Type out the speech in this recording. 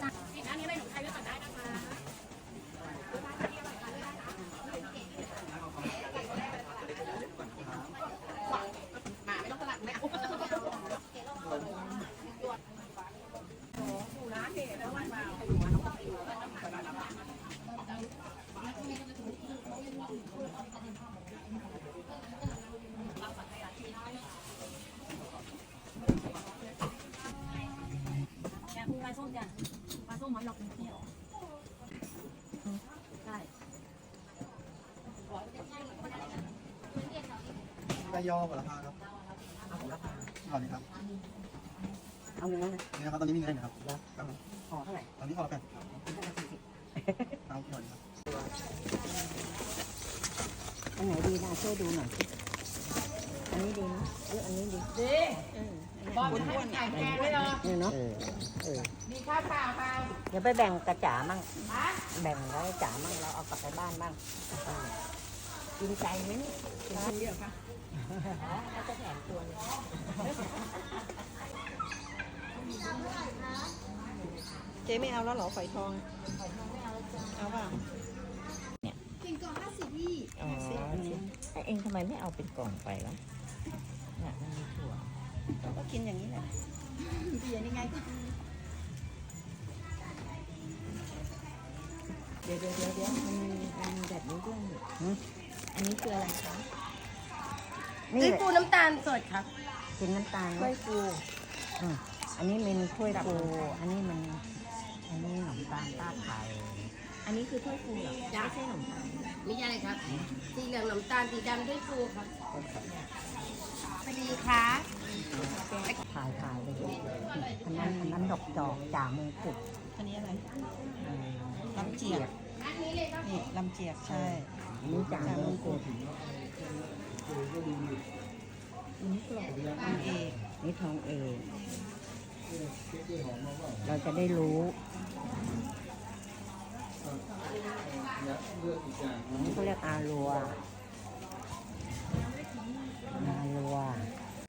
กินอันนี้เลยหนูใช้ด้วยก่อนได้นะคะมาไม่ต้องสลัดไม่เอาดูนะเก๋แล้ววันมาปลาส้มจ้ะปลาส้มมันหลอกเที่ยวใช่ได้ย่อหมดราคาครับเอาของราคาก่อนนี้ครับเอาเงินนะนี่นะครับตอนนี้มีเงินนะครับครับห่อเท่าไหร่ตอนนี้พอละแผ่น 40 เอาก่อนครับอันไหนดีนะช่วยดูหน่อยสิอันนี้ดีนะอันนี้ดีบอกให้มันไก่แกงเลยเหรอเนี่ยเนาะมีข้าวเปล่าเปล่าเดี๋ยวไปแบ่งกระจ๋ามั่งแบ่งแล้วจ๋ามั่งเราเอากลับไปบ้านบ้างกินใจไหมเนี่ยกินคนเดียวค่ะเขาจะแถมตัวนึงเจ๊ไม่เอาแล้วเหรอฝอยทองเอาเปล่าเป็นกล่อง50พี่อ๋อเองทำไมไม่เอาเป็นกล่องไปล่ะเนี่ยมันมีถั่วเราก็กินอย่างนี้แหละเปลี่ยนยังไงก็เดี๋ยวมันมีแบบนี้ด้วยอันนี้คืออะไรคะนี่ด้วยปูน้ำตาลสดครับเป็นน้ำตาลถ้วยฟูอันนี้เป็นถ้วยฟูอันนี้ขนมตาลต้าไข่อันนี้คือถ้วยฟูเหรอไม่ใช่ขนมตาลไม่ใช่ครับ สีเหลืองน้ำตาล สีดำด้วยปูครับสวัสดีค่ะถ่ายเลยอันนั้นดอกจอกจ่ามือกุดอันนี้อะไรลำเจียกนี่ลำเจียกใช่อันนี้จ่ามือกุดอันนี้กรอบทางเอกนี่ทองเอกเราจะได้รู้นี่เขาเรียกอารัว